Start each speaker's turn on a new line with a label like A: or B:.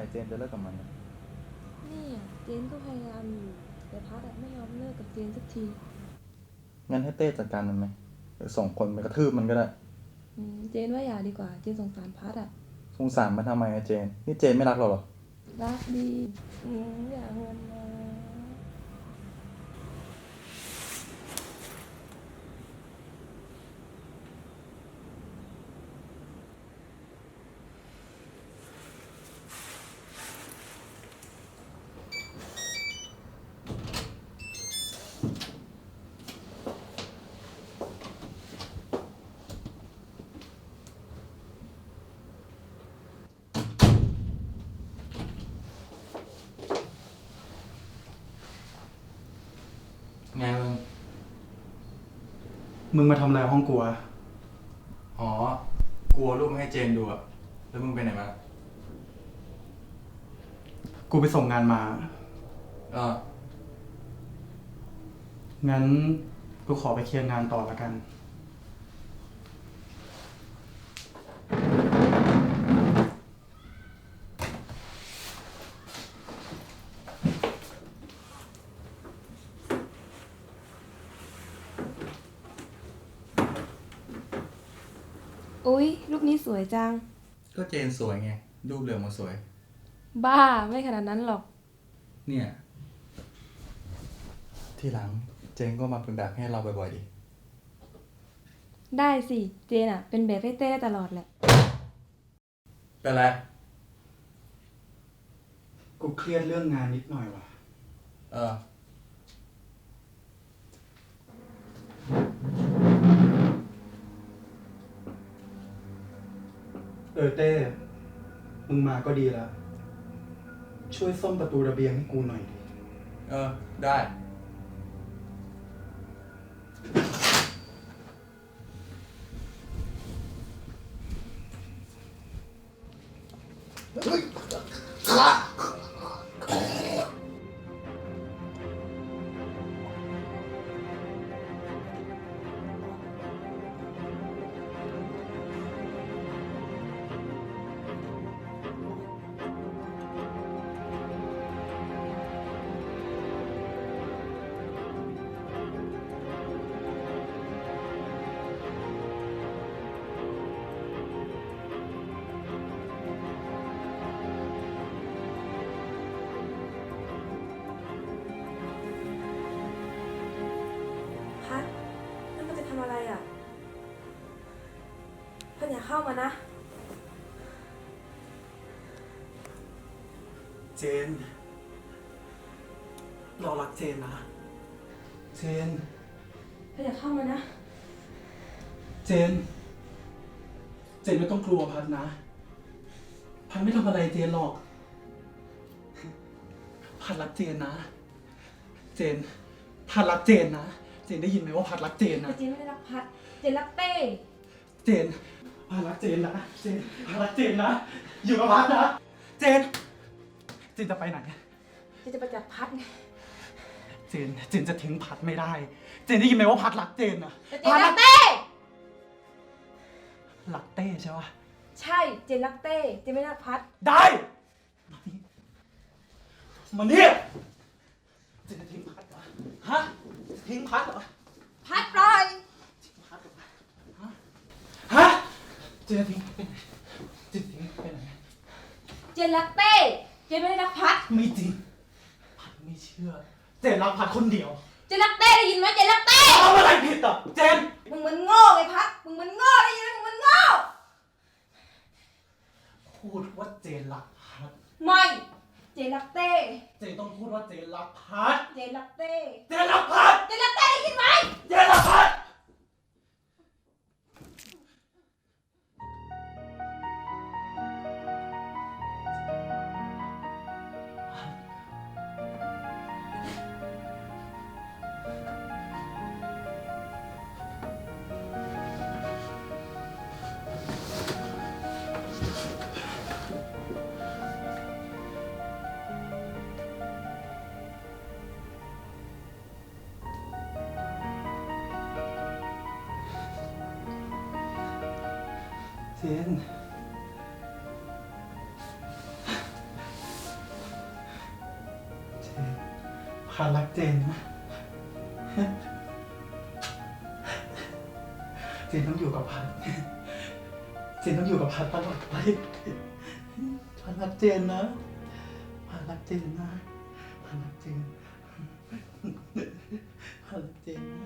A: เจนจะเลิกกับมัน
B: นี่เจนก็พยายามอยู่แต่พัดไม่ยอมเลิกกับเจนสักที
A: งั้นให้เต้จัดการมันไหมหรือส่งคนไปกระทืบมันก็ได้
B: เจนว่าอย่าดีกว่าเจนสงสารพัด
A: สงสารมันทำไมเจนนี่เจนไม่รักเราหรอ
B: รักดีอย่าเงินมา
A: ไง
C: มึงมาทำอะไรห้องกูอะ
A: อ๋อกลัวรูปให้เจนดูอะแล้วมึงไปไหนมา
C: กูไปส่งงานมางั้นกูขอไปเคลียร์งานต่อละกัน
B: อุ๊ยรูปนี้สวยจัง
A: ก็เจนสวยไงรูปเรืองมาสวย
B: บ้าไม่ขนาดนั้นหรอก
A: เนี่ยที่หลังเจนก็มาเป็นแบบให้เราบ่อยๆดิ
B: ได้สิเจนเป็นแบบให้เต้ได้ตลอดแหละ
A: เป็นไร
C: กูเครียดเรื่องงานนิดหน่อยว่ะเต้มึงมาก็ดีแล้วช่วยซ่อมประตูระเบียงให้กูหน่อยดิ
A: ได้
B: พัดนั่นมันจะทำอะไรพัดอย่าเข้ามานะ
C: เจนเรารักเจนนะเจน
B: พัดอย่าเข้ามานะ
C: เจนไม่ต้องกลัวพัดนะพัดไม่ทำอะไรเจนหรอกพัดรักเจนนะเจนพัดรักเจนนะเจนได้ยินไหมว่าพัดรักเจนนะ
B: เจนไม่ได้รักพัดเจนรักเต้
C: เจนพัดรักเจนนะเจนพัดรักเจนนะอยู่กับพัดนะเจนจะไปไหน
B: เจนจะไปจับพัดไง
C: เจนจะทิ้งพัดไม่ได้เจนได้ยินไหมว่าพัดรักเจนนะ
B: เจนรักเต้
C: รักเต้ใช่ปะ
B: ใช่เจนรักเต้เจนไม่รักพัด
C: ได้มาเนี่ยเจนจะทิ้งพัดเหรอฮะทิ้งพัดเหรอ
B: พัดปล่อย
C: ทิ้งพัดเหรอฮะเจนจะทิ้งไปไหนเจนทิ้งไปไหน
B: เจนรักเต้เจนไม่ได้รักพัด
C: ไม่จริงพัดไม่เชื่อเจนรักพัดคนเดียว
B: เจนรักเต้ได้ยินไหมเจนรักเต้
C: ทำอะไรผิดอ่ะเจน
B: มึงมันโง่ไงพัดมึงมันโง่ได้ยินไหมมึงมันโง่
C: พูดว่าเจนรักพัด
B: ไม่เจนรักเต้
C: เจนต้องพูดว่าเจนรักพัด
B: เจนรักเต้
C: เจนรักพัด
B: เจนรักเต้ได้ยินไหม
C: เจนรักพัดเจนพัดรักเจนนะ เจนต้องอยู่กับพัด เจนต้องอยู่กับพัดตลอดไป พัดรักเจนนะ พัดรักเจนนะ พัดรักเจน พัดรักเจนนะ